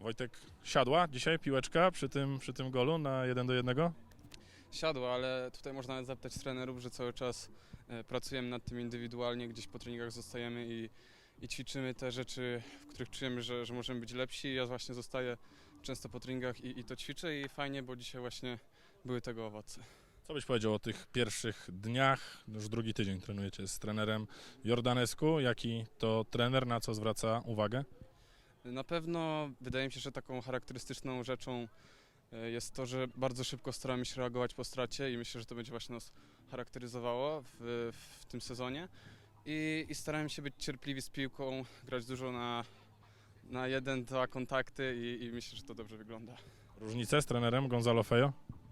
Wojtek, siadła dzisiaj piłeczka przy tym golu na 1-1? Siadło, ale tutaj można nawet zapytać trenerów, że cały czas pracujemy nad tym indywidualnie, gdzieś po treningach zostajemy i ćwiczymy te rzeczy, w których czujemy, że możemy być lepsi. Ja właśnie zostaję często po treningach i to ćwiczę i fajnie, bo dzisiaj właśnie były tego owoce. Co byś powiedział o tych pierwszych dniach? Już drugi tydzień trenujecie z trenerem Jordanescu. Jaki to trener, na co zwraca uwagę? Na pewno wydaje mi się, że taką charakterystyczną rzeczą jest to, że bardzo szybko staramy się reagować po stracie i myślę, że to będzie właśnie nas charakteryzowało w tym sezonie. I starałem się być cierpliwi z piłką, grać dużo na jeden, dwa kontakty i myślę, że to dobrze wygląda. Różnice z trenerem Gonzalo Fejo?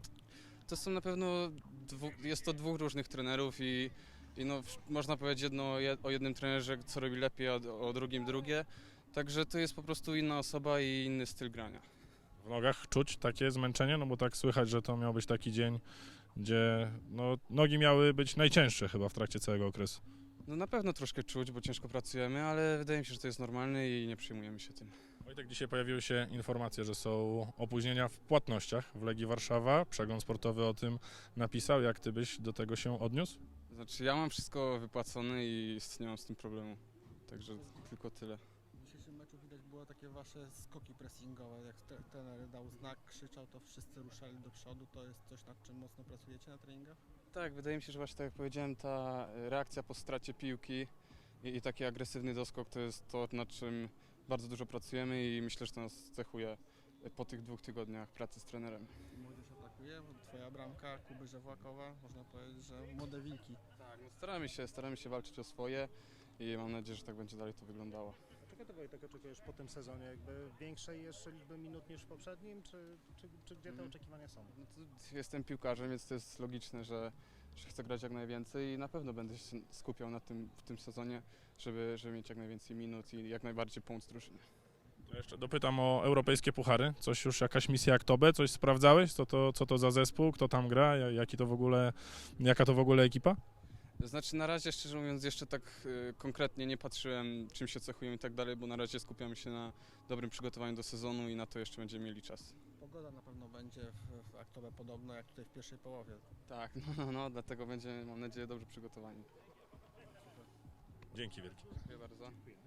To są na pewno, jest to dwóch różnych trenerów i no, można powiedzieć o jednym trenerze, co robi lepiej, a o drugim drugie. Także to jest po prostu inna osoba i inny styl grania. W nogach czuć takie zmęczenie? No bo tak słychać, że to miał być taki dzień, gdzie no, nogi miały być najcięższe chyba w trakcie całego okresu. No na pewno troszkę czuć, bo ciężko pracujemy, ale wydaje mi się, że to jest normalne i nie przejmujemy się tym. Wojtek, dzisiaj pojawiły się informacje, że są opóźnienia w płatnościach w Legii Warszawa. Przegląd sportowy o tym napisał. Jak ty byś do tego się odniósł? Znaczy ja mam wszystko wypłacone i nie mam z tym problemu. Także tylko tyle. W dzisiejszym meczu widać było takie wasze skoki pressingowe, jak trener dał znak, krzyczał, to wszyscy ruszali do przodu. To jest coś, nad czym mocno pracujecie na treningach? Tak, wydaje mi się, że właśnie tak jak powiedziałem, ta reakcja po stracie piłki i taki agresywny doskok to jest to, nad czym bardzo dużo pracujemy i myślę, że to nas cechuje po tych 2 tygodniach pracy z trenerem. Młodzież atakuje, twoja bramka, Kuby Żewłakowa, można powiedzieć, że młode wilki. Tak, no staramy się walczyć o swoje i mam nadzieję, że tak będzie dalej to wyglądało. Czego ty, Wojtek, oczekujesz po tym sezonie? Jakby większej jeszcze liczby minut niż w poprzednim, czy gdzie te oczekiwania są? No to jestem piłkarzem, więc to jest logiczne, że chcę grać jak najwięcej i na pewno będę się skupiał na tym w tym sezonie, żeby mieć jak najwięcej minut i jak najbardziej pomóc drużynie. To jeszcze dopytam o europejskie puchary. Coś już, jakaś misja Aktobe? Coś sprawdzałeś? Co to za zespół? Kto tam gra? Jaka to w ogóle ekipa? Znaczy na razie, szczerze mówiąc, jeszcze tak konkretnie nie patrzyłem, czym się cechują i tak dalej, bo na razie skupiamy się na dobrym przygotowaniu do sezonu i na to jeszcze będziemy mieli czas. Pogoda na pewno będzie w Aktobe podobna jak tutaj w pierwszej połowie. Tak, no, dlatego będziemy, mam nadzieję, dobrze przygotowani. Dzięki wielkie. Dziękuję bardzo.